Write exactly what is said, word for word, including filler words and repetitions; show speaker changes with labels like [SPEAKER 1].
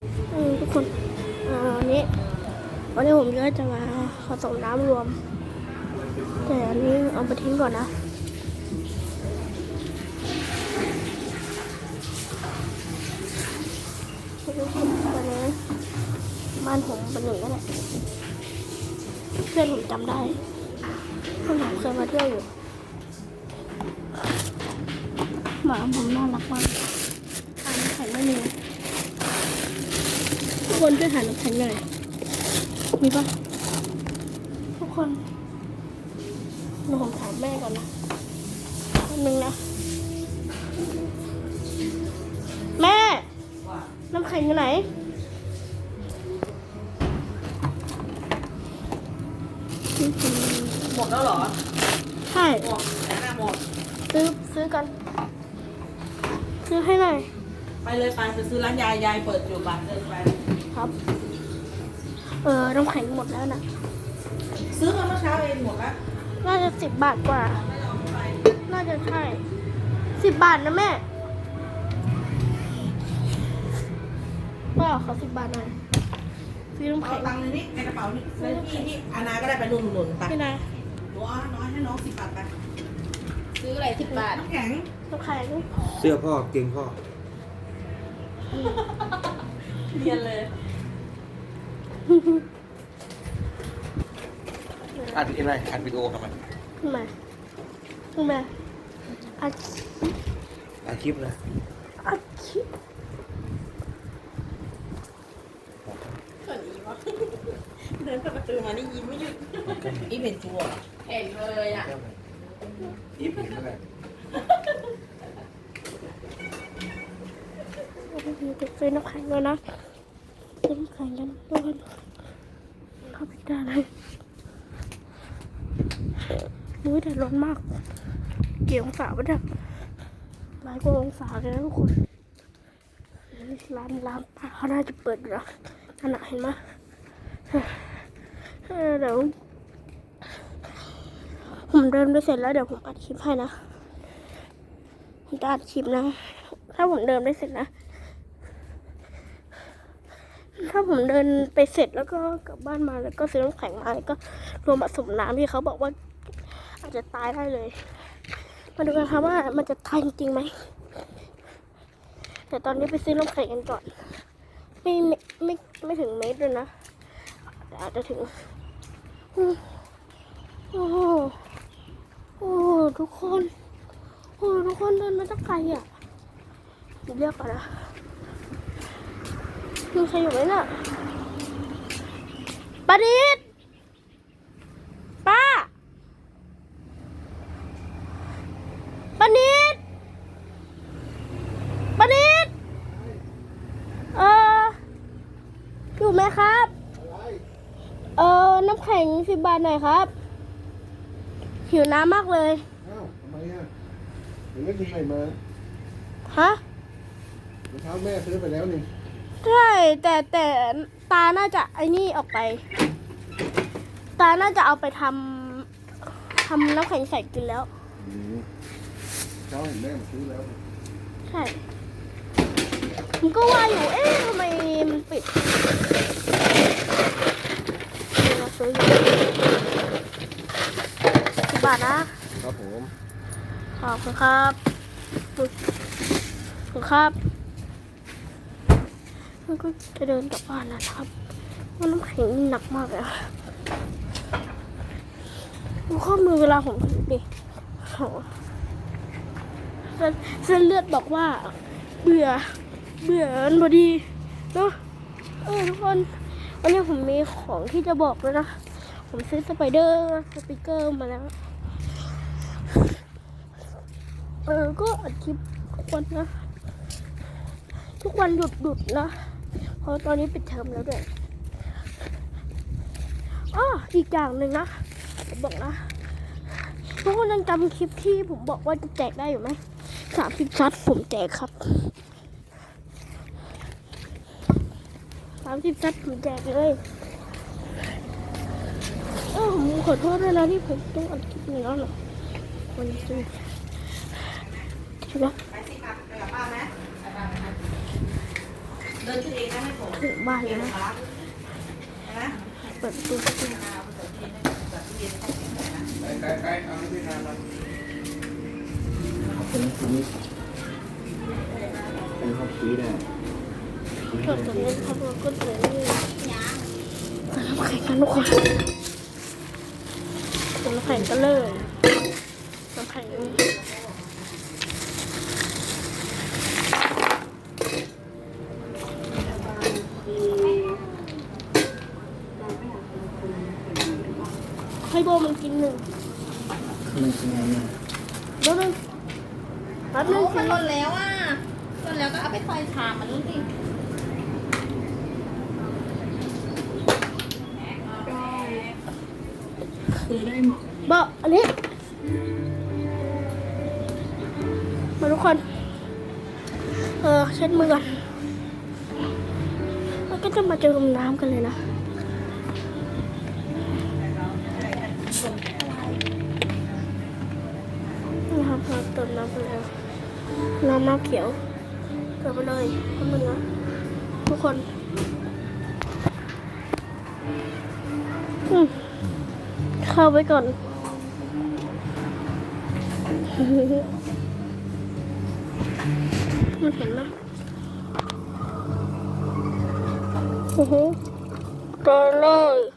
[SPEAKER 1] อืมทุกคนอ่าวันนี้วันนี้ผมก็จะมาผสมน้ำรวมแต่อันนี้เอาไปทิ้งก่อนนะทุกคนตอนนี้บ้านผมเป็นหนึ่งนั่นแหละเพื่อนผมจำได้เพื่อนผมเคยมาเที่ยวอยู่หมาผมน่ารักมากทานน้ำแข็งไม่มีทุกคนช่วยหาน้ำแข็งหน่อยมีปะทุกคนหนูผมถามแม่ก่อนนะคนหนึ่งนะแม่น้ำแข็งอยู่ไหน
[SPEAKER 2] หมดแล้วเหรอ
[SPEAKER 1] ใช่
[SPEAKER 2] หมดแล้วนะหมด
[SPEAKER 1] ซื้อซื้อกันซื้อให้หน่อย
[SPEAKER 2] ไปเลยไปไปซื้อร้านยายยายเปิดอยู่บ้านเดินไป
[SPEAKER 1] ครับเออน้ำแข็งหมดแล้วนะ
[SPEAKER 2] ซื้อมาเมื่อเช้าเองหมดแล้ว
[SPEAKER 1] น่าจะสิบบาทกว่าน่าจะใช่สิบบาทนะแม่ว่าขอสิบบาทหน่อยซื้อน้ำ
[SPEAKER 2] เอา
[SPEAKER 1] แข็ง
[SPEAKER 2] ตังค์ในนี้ในกระเป๋านี่ในที่ที่อานาก็ได้ไปนุ่นหนุนไป
[SPEAKER 1] พี่นาย
[SPEAKER 2] หนูเอาน้อยให้น้องสิบบาทไปซื้ออะไรสิบบาทน้ำแข็ง
[SPEAKER 1] น้ำแข็ง
[SPEAKER 3] เสื้อพ่อเกงพ่อ
[SPEAKER 2] เรียนเลย
[SPEAKER 3] อัดอะไรอัดวิดีโอทำไม
[SPEAKER 1] ทำไมทำไมอัด
[SPEAKER 3] อัดคลิปนะ
[SPEAKER 1] อัดคลิป
[SPEAKER 2] ก็ดีวะเดินเปิดประตูมานี่ยิ้มไม่หยุดอีเห็นจัวเห็นเลยอ่ะ
[SPEAKER 3] ยิ้มเห็นอะไร
[SPEAKER 1] จะซื้อน้ำแข็งเลยนะซื้อน้ำแข็งกันทุกคนเข้าไปได้เลยมุ้ยแต่ร้อนมากกี่องศาวะเนี่ยหลายกว่าองศาเลยนะทุกคนร้านร้านป้าเขาน่าจะเปิดอยู่นะขนาดเห็นไหมเดี๋ยวผมเดินไปเสร็จแล้วเดี๋ยวผมอัดคลิปให้นะผมจะอัดคลิปนะถ้าผมเดินไปเสร็จนะถ้าผมเดินไปเสร็จแล้วก็กลับบ้านมาแล้วก็ซื้อน้ำแข็งมาแล้วก็รวมผสมน้ำที่เขาบอกว่าอาจจะตายได้เลยมาดูกันครับว่ามันจะตายจริงไหมแต่ตอนนี้ไปซื้อน้ำแข็งกันก่อนไม่ไม่ไม่ไม่ถึงเมตรเลยนะแต่อาจจะถึงโอ้โหโอ้ทุกคนโอ้ทุกคนเดินมาตั้งไกลอ่ะเรียกก่อนนะมีใครอยู่ไหมน่ะป้าดิดป้าป้าดิดป้าดิดเอออยู่ไหมครับเออน้ำแข็งสิบบาทหน่อยครับหิวน้ำมากเลย
[SPEAKER 3] อ้าวทำไมอ่ะเดี๋ยวไม่กินอะไรมา
[SPEAKER 1] ฮะ
[SPEAKER 3] เมื่อเช้าแม่ซื้อไปแล้วนี่
[SPEAKER 1] ใช่แต่แต่ตาน่าจะไอ้นี่ออกไปตาน่าจะเอาไปทำทำน้ำแข็งใส่กินแล้ว
[SPEAKER 3] เช้าเห็นแม่มาซื้อแล้ว
[SPEAKER 1] ใช่ผมก็ว่าอยู่เอ๊ะทำไมมันปิดมาซื้ออยู่สิบบาทนะครับ
[SPEAKER 3] ผม
[SPEAKER 1] ขอบคุณครับขอบคุณครับแล้วก็จะเดินกลับบ้านนะครับว่าน้ำแข็งหนักมากเลยดูข้อมือเวลาผมถือดิโหเส้นเลือดบอกว่าเบื่อเบื่อมันพอดีเนาะเออทุกคนวันนี้ผมมีของที่จะบอกเลยนะผมซื้อสไปเดอร์สปิเกอร์มาแล้วเออก็อัดคลิปทุกวันนะทุกวันหยุดหยุดนะเพราะตอนนี้ปิดเทอมแล้วด้วยอ้ออีกอย่างหนึ่งนะผมบอกนะทุกคนยังจำคลิปที่ผมบอกว่าจะแจกได้อยู่ไหมสามสิบซัดผมแจกครับสามสิบซัดผมแจกเลยเออผมขอโทษด้วยนะที่ผมต้องอัดคลิปนี้แล้วหรอวันนี้ซื้อใช่ปะ
[SPEAKER 2] ไปสิครับไปกับป้าไหมไปป้าไหมเดินเองนะไม่ผม
[SPEAKER 1] ถึงบ้านแล้วนะ
[SPEAKER 2] ใช่ไหม
[SPEAKER 1] เปิดประตูประตู
[SPEAKER 3] ไปไปไปเอาที่ทานมา
[SPEAKER 4] คนนี้คนนี้เป็นข้าวชีสอ่ะ
[SPEAKER 1] เปิดตัวนี้ครับแล้วก็ตัวนี้เปิดน้ำแข็งกันทุกคนเปิดน้ำแข็งกันเลยน้ำแข็งให้โบมันกินหนึ่ง
[SPEAKER 4] มันเป็นไงเนี่ย
[SPEAKER 1] แป๊บนึงแป๊บนึ
[SPEAKER 2] โอ้
[SPEAKER 1] ง
[SPEAKER 2] มันหล่นแล้วอ่ะหล่นแล้วก็เอาไปใส่ชามมันดูสิ
[SPEAKER 1] บอกอันนี้มาทุกคน เออเช็ดมือก่อนแล้วก็จะมาเจอกับน้ำกันเลยนะนะครับเราเติมน้ำไปแล้วน้ำน้ำเขียวเติมไปเลยข้างมือนะทุกคนอืมเข้าไว้ก่อน มันเห็นไหมโอ้โหเจอเลย